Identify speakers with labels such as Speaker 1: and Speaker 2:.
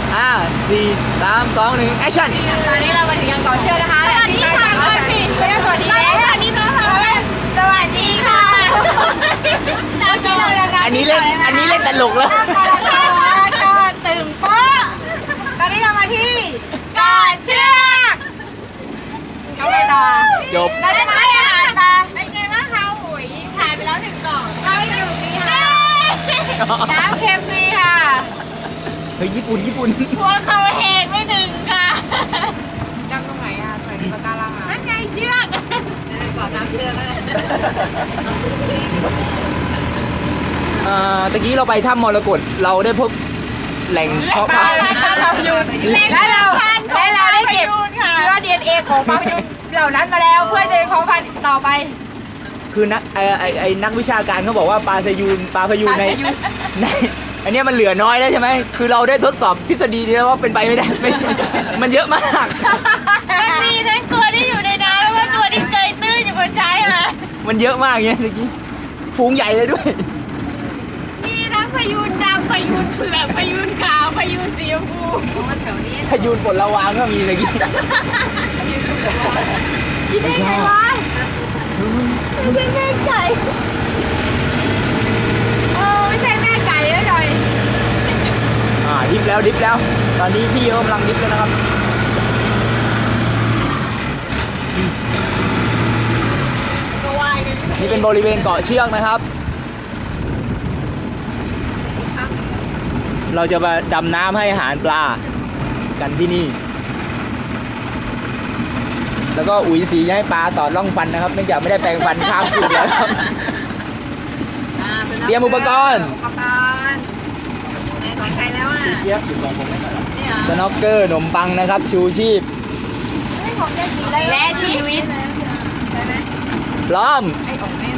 Speaker 1: 4 3 2 1แอคชั่น
Speaker 2: ตอนนี้เรามาถึงยังเกาะเชือกนะคะสวัสดีค่ะสวัสดีสวัสดีสวัสดีค่ะ
Speaker 1: อันนี้เล่นตลกแล้ว
Speaker 2: ก็ตื่นโป๊ะตอนนี้เรามาที่เกาะเชือกเขาไปต่อ
Speaker 1: จบ
Speaker 2: เราจะมาให้อาหารปลาเป็นไงบ้างคะอุ๋ยถ่ายไปแล้ว1 กล่องเราอยู่นี่ค่ะน้ำเค็มนี่ค่ะ
Speaker 1: เฮ้ยญี่ปุ่น
Speaker 2: หัวเขาแหงไม่1ค่ะจำตรงไหนอ่ะใส่ปากการังอ่ะนั่นไงเชือกก่อนน้ำเชือกเลย
Speaker 1: ตะกี้เราไปถ้ำมรกตเราได้พบแหล่งเพาะพันธุ์
Speaker 2: และเราได้เก็บเชื้อ DNA ของปลาพยูนเหล่านั้นมาแล้วเพื่อจะเพาะพันธุ์ต่อไป
Speaker 1: คือนักวิชาการเขาบอกว่าปลาพยูนในอันนี้มันเหลือน้อยแล้วใช่ไหมคือเราได้ทดสอบทฤษฎีนี้แล้วว่าเป็นไปไม่ได้ไม่ใช่มันเยอะมาก
Speaker 2: มันมีทั้งตัวที่อยู่ในน้ำแล้วก็ตัวที่เกยตื้นอยู่บนชายหาด
Speaker 1: มันเยอะมากเนี่ยตะกี้ฝูงใหญ่เลยด้วย
Speaker 2: มีทั้งพยูนดำพยูนเผือกพยูนขาวพยูนสีชมพูแถวนี้
Speaker 1: พยูนปลดระวางก็มีตะกี้
Speaker 2: คิดได้ไงวะไม่ใช่แม่ไก่ไม่ใช่แม่ไก่แล้วหน่อย
Speaker 1: ดิฟแล้วตอนนี้พี่กำลังดิฟแล้วนะครับนี่เป็นบริเวณเกาะเชือกนะครับเราจะมาดำน้ำให้อาหารปลากันที่นี่แล้วก็อุ๋ยสีจะให้ปลาต่อร่องฟันนะครับเนื่องจากไม่ได้แปรงฟันข้ามคืนแล้วครับเตรียมอุปกรณ์
Speaker 2: ในของใครแล้วอ่ะ
Speaker 1: เทียบอยู่ของผมไม่ใช่หรอสน็อกเกอร์ขนมปังนะครับชูชีพ
Speaker 2: และชีวิต
Speaker 1: พร้อม